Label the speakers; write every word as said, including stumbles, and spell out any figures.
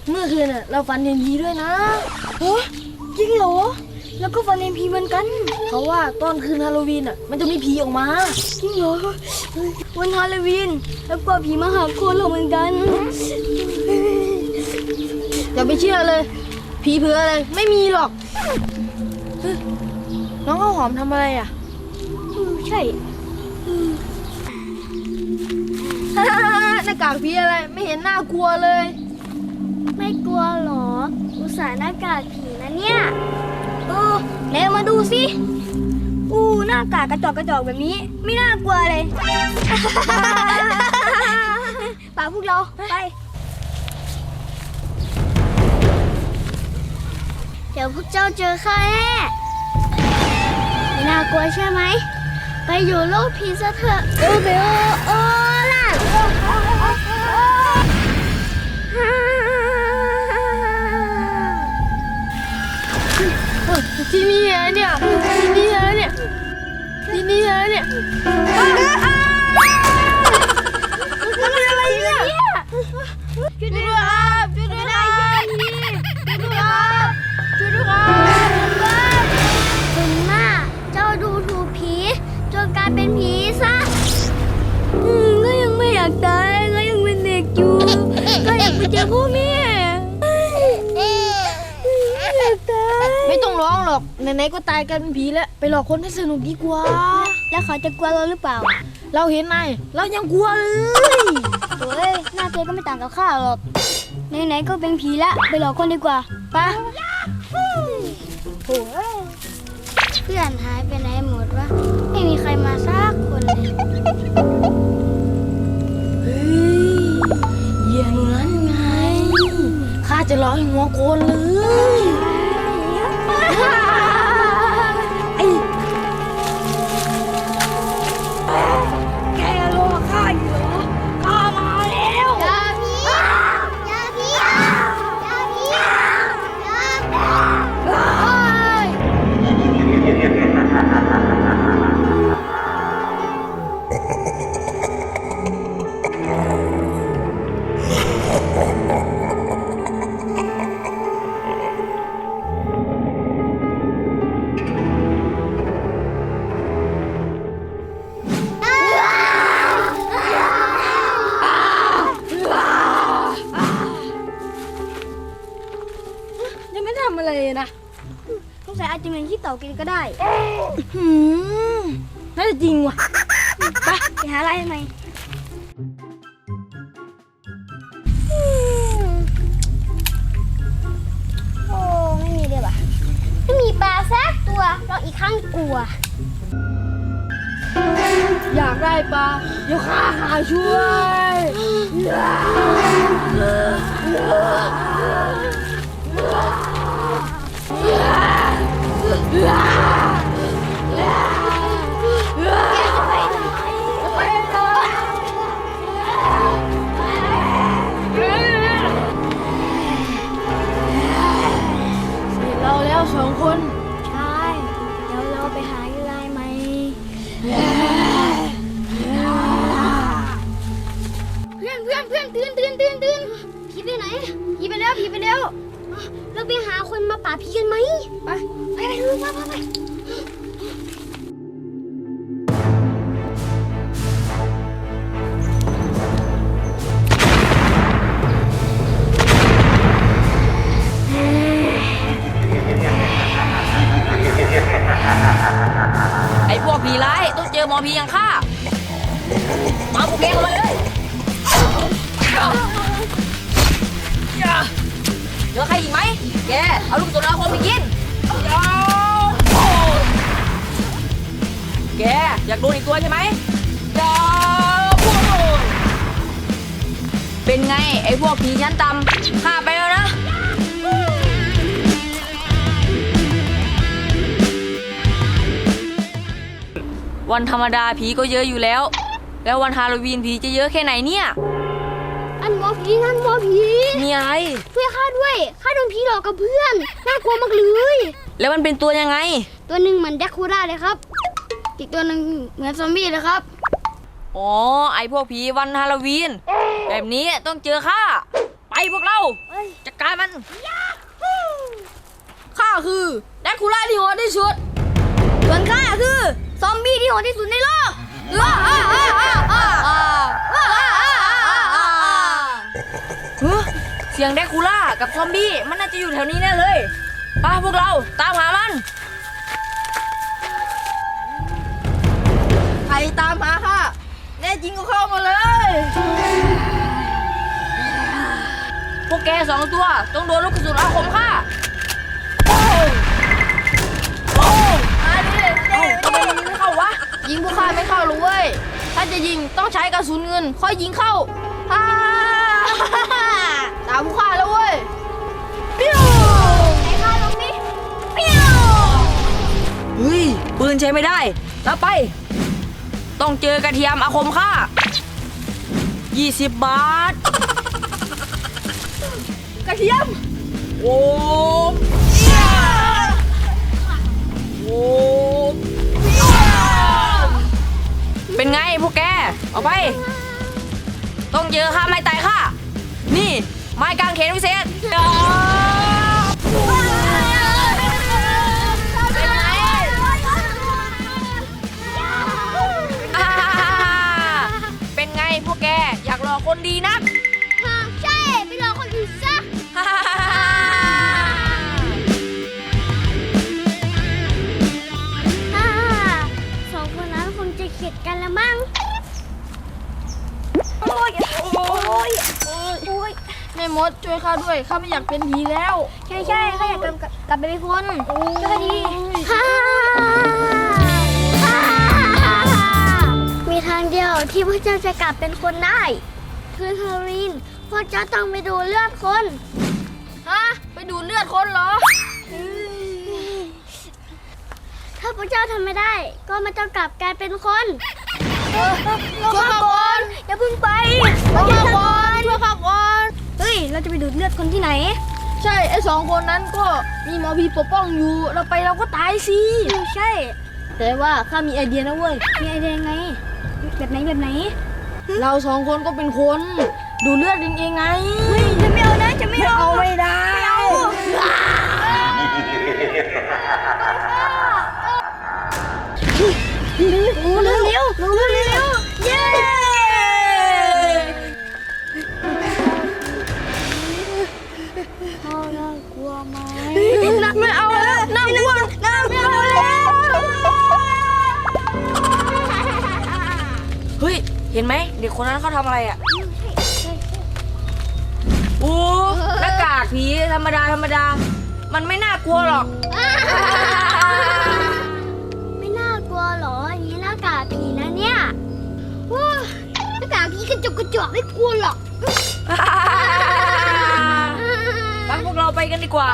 Speaker 1: เมื่อคืนน่ะเราฝันเห็นผีด้วยนะโอ้จริงเหรอแล้วก็ฝันเห็นผีเหมือนกันเขาว่าตอนคืนฮาโลวีนอ่ะมันจะมีผีออกมาจริงเหรอวันฮาโลวีนแล้วก็ผีมาหาคนเราเหมือนกันอย่าไปเชื่อเลยผีเผืออะไรไม่มีหรอกน้องข้าวหอมทำอะไรอ่ะใช่หน้ากากผีอะไรไม่เห็นน่ากลัวเลยไม่กลัวหรออุตส่าห์หน้ากากผีนะเนี่ยเออแล้วมาดูสิอู้หน้ากากกระจอกกระจอกแบบนี้ไม่น่ากลัวเลยป่าพวกเราไปเดี๋ยวพวกเจ้าเจอข้าแน่ไม่น่ากลัวใช่ไหมไปอยู่โลกผีซะเถอะโอ้เบลโอ้ล่ะที่นี่เหรอเนี่ยที่นี่เหรอเนี่ยที่นี่เหรอเนี่ยมันเป็นอะไรเนี่ยช่วยด้วยครับช่วยด้วยครับช่วยด้วยครับช่วยด้วยครับถึงหน้าเจ้าดูถูกผีจนกลายเป็นผีซะก็ยังไม่อยากตายก็ยังเป็นเด็กอยู่ก็อยากไปเจอพ่อแม่ไม่ต้องร้องหรอกไหนๆก็ตายกันเป็นผีแล้วไปหลอกคนให้สนุกดีกว่าแล้วเขาจะกลัวเราหรือเปล่าเราเห็นนายเรายังกลัวเลยโอ้ยหน้าเจ๊ก็ไม่ต่างกับข้าหรอกไหนๆก็เป็นผีละไปหลอกคนดีกว่าไปโอ้ยเพื่อนหายไปไหนหมดวะไม่มีใครมาสักคนเลยเฮ้ยอย่างนั้นไงข้าจะร้องให้หัวโกนเลยไอ้แกรอข้าอยู่เหรอข้ามาแล้วอย่าพี่อย่าพี่อย่าพี่อย่าทำอะไรนะสงสัยอาจจะเป็นที่เต่ากินก็ได้หืมน่าจะจริงว่ะไปไปหาอะไรไหมโอ้ไม่มีเลยว่ะไม่มีปลาสักตัวลองอีกครั้งกลัวอยากได้ปลาเดี๋ยวข้าหาช่วยเราแล้วสองคนใช่เดี๋ยวเราไปหาอยู่ได้ไหมเพื่อนเพื่อนเพื่อนตื่นตื่นตื่นตื่นผีไปไหนผีไปแล้วผีไปแล้วเราไปหาคนมาป่าบผีกันไหมไปไปไปดูไปไปไป
Speaker 2: ไอ้พวกผีร้ายต้องเจอหมอผีอย่างข้ามาพวกแกมาเลยเหลือใครอีกไหมแกเอาลูกตุ่นเอาคนไปกินแกอยากโดนอีกตัวใช่ไหมเป็นไงไอ้พวกผีชั้นต่ำข้าไปแล้วนะวันธรรมดาผีก็เยอะอยู่แล้วแล้ววันฮาโลวีนผีจะเยอะแค่ไหนเนี่ยอันหมอผีนั่นหมอผีมีอะไรช่วยข้าด้วยข้าโดนผีหลอกกับเพื่อนน่ากลัวมากเลยแล้วมันเป็นตัวยังไงตัวหนึ่งเหมือนแดคูล่าเลยครับอีกตัวหนึ่งเหมือนซอมบี้เลยครับอ๋อไอพวกผีวันฮาโลวีนแบบนี้ต้องเจอข้าไปไปพวกเราจัดการมันข้าคือแดคูล่าที่โหดที่สุดส่วนข้าคือซอมบี้ที่โหดที่สุดในโลกอ้าอ้าอ้าอ้าอ้าอ้าอ้าอ้าเสียงแดคูล่ากับซอมบี้มันน่าจะอยู่แถวนี้แน่เลยไปพวกเราตามหามันใครตามหาข้าแน่จริงก็เข้ามาเลยพวกแกสองตัวต้องโดนลูกกระสุนอาคมข้าโอ้โอ้มาดิเอ้าทำไมมันไม่เข้าวะยิงพวกข้าไม่เข้าหรอกเว้ยถ้าจะยิงต้องใช้กระสุนเงินค่อยยิงเข้าฮ่าตามพวกข้าแล้วเว้ยปิ้วไอ้ข้าตรงนี้ปิ้วเฮ้ยปืนใช้ไม่ได้แล้วไปต้องเจอกระเทียมอาคมข้ายี่สิบบาทกระเทียมโอ้โอ้เป็นไงพวกแกเอาไปต้องเจอข้าไม่ตายข้านี่ไม้กางเขนวิเศษเป็นไงพวกแกอยากหลอกคนดีนัก
Speaker 1: ใช่ไปรอคนอื่นซะสองคนนั้นคงจะเข็ดกันละมั้งโอ้ยโอ้ยโอ้ย
Speaker 2: แม่มดช่วยข้าด้วยข้าไม่อยากเป็นผีแล้ว
Speaker 1: ใช่ใช่ข้าอยากกลับกลับไปเป็นคนช่วยดีมีทางเดียวที่พวกเจ้าจะกลับเป็นคนได้คือฮาโลวีนพวกเจ้าต้องไปดูเลือดคน
Speaker 2: ฮะไปดูเลือดคนเหรอ
Speaker 1: ถ้าพวกเจ้าทำไม่ได้ก็ไม่ต้องกลับกลายเป็นคน
Speaker 2: ช่วยข้าก่อน
Speaker 1: อย่าเพิ่งไป
Speaker 2: ช่วยข้าก่อนช่วยข้าก่อน
Speaker 1: เฮ้ยเราจะไปดูดเลือดคนที่ไหน
Speaker 2: ใช่ไอ้สองคนนั้นก็มีหมอผีปกป้องอยู่เราไปเราก็ตายสิ
Speaker 1: ใช่
Speaker 2: แต่ว่าข้ามีไอเดียนะเว้ย
Speaker 1: มีไอเดียไงแบบไหนแบบไหน
Speaker 2: เราสองคนก็เป็นคนดูเลือดเองไง
Speaker 1: จะไม่เอานะจะไม่เอา
Speaker 2: ไม่ได้
Speaker 1: เร็วเร็วเร็วเร็วเร็วเย้น่ากลัวไหม
Speaker 2: ไม่เอาแล้วน่ากลัวน่ากลัวแล้วเฮ้ยเห็นไหมเด็กคนนั้นเขาทำอะไรอ่ะโอ้หน้ากากผีธรรมดาธรรมดามันไม่น่ากลัวหรอก
Speaker 1: ไม่น่ากลัวหรออันนี้หน้ากากผีนะเนี่ยหน้ากากผีกระจกกระจกไม่กลัวหรอก
Speaker 2: ไปพวกเราไปกันดีกว่า